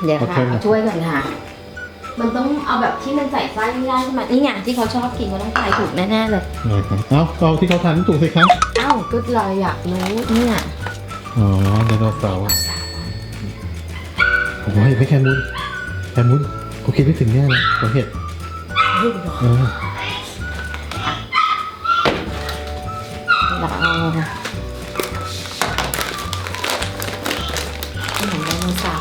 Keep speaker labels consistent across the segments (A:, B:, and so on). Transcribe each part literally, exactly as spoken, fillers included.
A: เดี๋ยวค่ะเอาถ้วยก่อนค่ะมันต้องเอาแบบที่มันใส่ไส้ไม่ได้ใช่ไหมนี่ไงที่เขาชอบกินเขาต้องทายถูกแน่ๆเลย
B: เลยครับเอาเอาที่เขาทานถูกสิครับ
A: เอ้าก็เราอยากรู้เนี่ย
B: อ๋อไดโนเสาร์โอ้ยไม่แคมุนแคมุนเขาคิดไม่ถึงแน่เลยเขาเห็ดเออ
A: เราเอาขนมไดโนเสาร์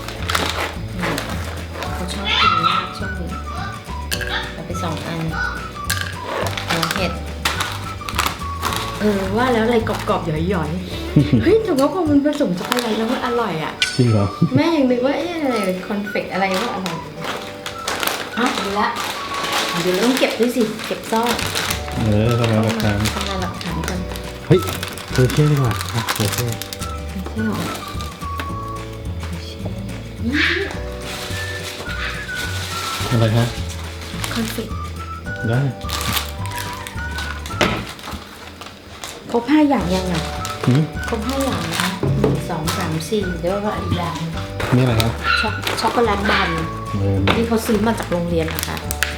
A: เขาชอบกินมากช่วงนี้เอาไปสองอันหัวเห็ดเออว่าแล้วอะไรกรอบๆหย่อยๆเฮ้ยแต่ว่าพอมันผสมช็อกโกแลตแล้วมันอร่อยอ่ะ
B: จริงเหรอ
A: แม่ยังนึกว่าเอ๊ะอะไรคอนเฟกอะไรก็อร่อยอ่ะดีละเดี๋ยวเราต้องเก็บด้วยสิเก็บซ่อน
B: เออทำลายหลักฐาน
A: ทำลายหลักฐานกัน
B: เฮ้ยเธอเชื่อดีกว่าอ่ะเธอเชื่อ
A: ไม่ใช่หรอ
B: อะไรฮะ
A: คอนเฟก
B: ได้
A: ครบห้าอย่างยังอ่ะ
B: หืม
A: ครบห้าอย่างนะหนึ่งสองสามสี่เดี๋ยวว่าอีกอย่าง
B: นี่อะไรครับ
A: ช็อกช็อกโกแลตบันนี่เขาซื้อมาจากโรงเรียนนะคะ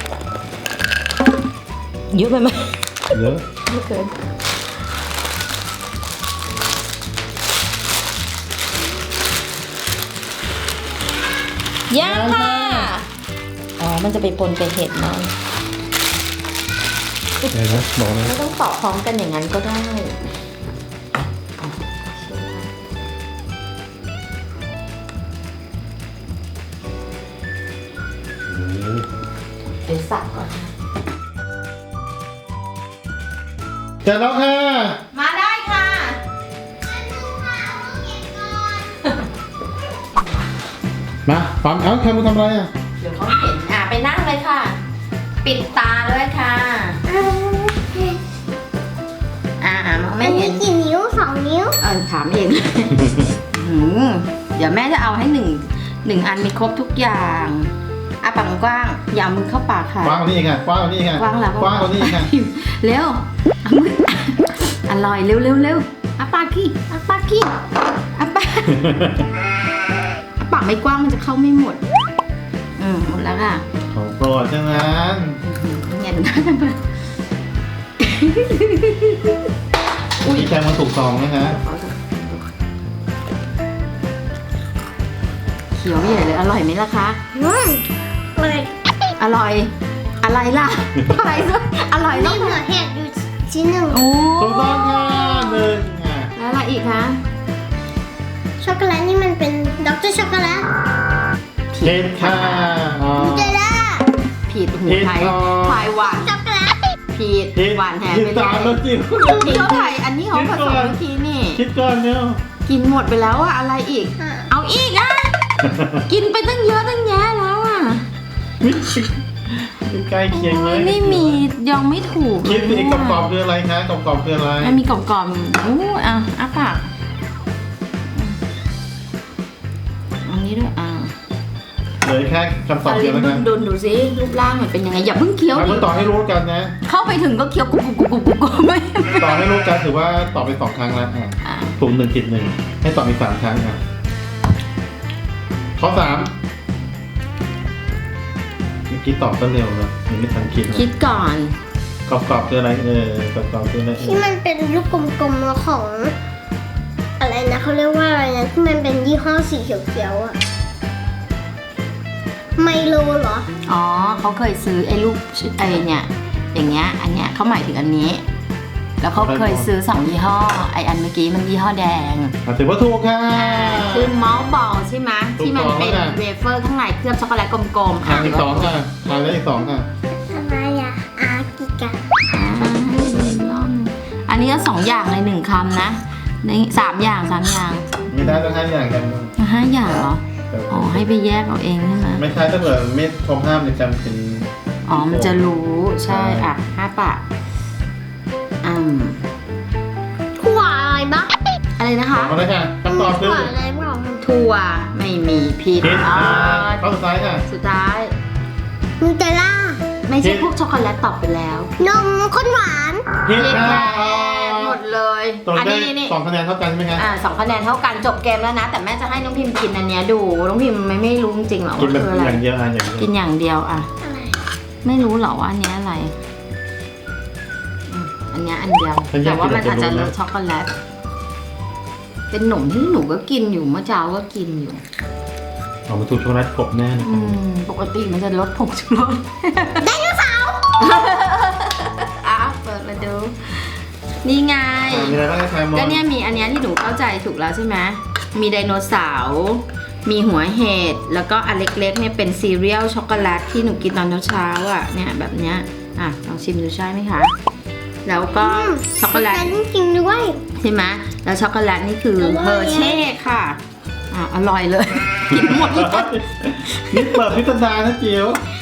A: เยอะไปไหม
B: เยอะ
A: ไม่เกินยังค่ะอ๋อมันจะไปปนกับเห็ดเนาะ
B: อะไรนะบอกเลย
A: ไม่ต้องตอกพร้อมกันอย่างนั้นก็ได้เดี๋ยวสับก่อนนะ
B: เจอแล้วค่ะ
A: มาได้ค่ะ
B: มาปั๊มเอ้าแคมุนทำอะไรอ่ะ
A: เดี๋ยวเขาเห็นอ่ะไปนั่งเลยค่ะปิดตาด้วยค่ะอ่ามองไม่เห็น
C: กี่นิ้วสองนิ้ว
A: เออถามเองเดี๋ยวแม่จะเอาให้หนึ่งหนึ่งอันมีครบทุกอย่างอ่ะปากกว้างอย่ามือเข้าปากค่ะ
B: กว้างกว่านี้ค่ะกว้างกว่านี้ค่ะ
A: กว้างแล้ว
B: กว้างกว่านี้ค่ะ
A: เร็วอร่อยเร็วเร็วเร็วอ่ะปากขี้อ่ะปากขี้อ่ะปากปากไม่กว้างมันจะเข้าไม่หมดอืมหมดแล้วค่ะ
B: ของโปรดจังนั้น
A: เงี้ยนะ
B: อุ้ยแคมุนถูกซองไหมคะ
A: เขียวใหญ่เลยอร่อยไหมล่ะคะ
C: อร่อย
A: อร่อยอะไรล่ะอะไรซะอร่อย
C: มีหัวเห็ดอยู่ชิ้นหนึ่ง
A: โอ้
B: ถูกต้องค่ะหนึ่งค่ะ
A: แล้วอะไรอีกคะ
C: ช็อกโกแลตนี่มันเป็นด็อกเตอร์ช็อกโกแลต
B: ผิดค่ะ
C: เจล่า
A: ผิดหูไทยไทยหวาน
C: ช็อกโกแลต
A: ผิดหวานแหมไป
B: เลยผิด
A: เขาไทยอันนี้เขาผสมเมื่อกี้นี่
B: คิดก่อนเนี่ย
A: กินหมดไปแล้วอะอะไรอีกเอาอีกอ่ะกินไปตั้งเยอะตั้งแยะแล้วอ่ะ
B: ใกล้เคียงเลย
A: ไม่มียังไม่ถูก
B: คิดอีกกรอบๆคืออะไรคะกรอบๆคืออะไร
A: มันมีกรอบๆอู้อ่ะอ่ะปากอันนี้ด้วยอ่ะ
B: เลยแค่คำตอบเดียวแล้วกัน
A: ดูดูสิรูปร่างมันเป็นยังไงอย่าเพิ่งเคี้ยว
B: ดิต่อให้รู้กันนะ
A: เข้าไปถึงก็เคี้ยวกุบกุบกุบกุบกุบไม่
B: ต่อให้รู้กันถือว่าตอบไปสองครั้งแล้วอ่ะถูกหนึ่งผิดหนึ่งให้ตอบอีกสามครั้งอ่ะข้อสามเมื่อกี้ตอบก็เร็วนะยังไม่ทันคิด
A: คิดก่อน
B: กรอบๆคืออะไรเออกรอบๆคืออะไร
C: ที่มันเป็นลูกกลมๆของอะไรนะเขาเรียกว่าอะไรนะที่มันเป็นยี่ห้อสีเขียวๆอะไมโลเหรอ
A: อ๋อเขาเคยซื้อไอ้ลูกไอ้เนี่ยอย่างเงี้ยอันเนี้ยเขาหมายถึงอันนี้แล้วเขาเคยซื้อสองยี่ห้อไออันเมื่อกี้มันยี่ห้อแดง
B: ถือว่าถูกค่ะ
A: คือมอลบอลใช่ไหมที่มันเป็นเวเฟอร์ข้างในเคลือบช็อกโกแลตกลมๆ
B: อ่ะอีกสองค่ะทายได้อีกสองค่ะ
C: อะไรอ่ะอากิกะ
A: อันนี้ก็สองอย่างในหนึ่งคำนะในสามอย่างสามอย่าง
B: ไม่ได้ต้องห้าอย่างกัน
A: ห้าอย่างเหรออ๋อให้ไปแยกเอาเองใช่ไหม
B: ไม่ใช่ถ้าเกิดไม่ครบห้ามในจำเป็น
A: อ๋อมันจะรู้ใช่อ่ะห้าปะอืม
C: ถั่วอะไรบ้าง
A: อะไรนะคะ
B: อะไรค่ะคำตอบคือ
C: อะไรบ้าง
A: ถั่วไม่มีผิด
B: อ๋อข้อสุดท้ายค่ะ
A: สุดท้าย
C: นูเทลล่า
A: ไม่ใช่พวกช็อกโกแลตตอบไปแล้ว
C: นมข้นหวาน
B: ผิดค่ะ
A: หมดเลเลย
B: ตรง
A: อัน
B: ได้
A: นี้นี่
B: สองคะแนนเท่ากันใช่ไหมคะ
A: อ่าสองคะแนนเท่ากันจบเกมแล้วนะ แต่แม่จะให้น้องพิมพ์กินอันเนี้ยดูน้องพิมพ์ไม่ไม่รู้จริงๆหรอ
B: กิน
A: ว่า
B: แบบ
A: คืออะไร
B: อย่างเดียวอ่ะอย่างเดียว
A: กินอย่างเดียวอ่ะ
C: อะไร
A: ไม่รู้หรอว่าอันเนี้ยอะไรอืมอันเนี้ยอันเดียวแต่ว่ามันอาจจะรสช็อกโกแลตเป็นหนมที่หนูก็กินอยู่เมื่อเช้าก็กินอยู่
B: ออกมาถูกช็อกโกแลตกบแน่นะ
A: อืมปกติมันจะลดผงชูรส
C: ไดโนเสาร์
A: อ่ะเปิดมาดู นี่ไง
B: อ่ะมีอะไรบ้างคะแซมมอน
A: ก็เนี่ยมีอันเนี้ยที่หนูเข้าใจถูกแล้วใช่ไหมมีไดโนเสาร์มีหัวเห็ดแล้วก็อันเล็กๆเนี่ยเป็นซีเรียลช็อกโกแลตที่หนูกินตอนเช้าๆอ่ะเนี่ยแบบเนี้ยอ่ะลองชิมดูใช่ไหมคะแล้วก็ช็อกโกแลต
C: จริงๆด้วย
A: ใช่ไหมแล้วช็อกโกแลตนี่คือ
C: อร่อย
A: เฮอร์เช่ค่ะอ่ะอร่อยเลย กินหมดเลย
B: นี่เปิดพิสดารนะจิ๋ว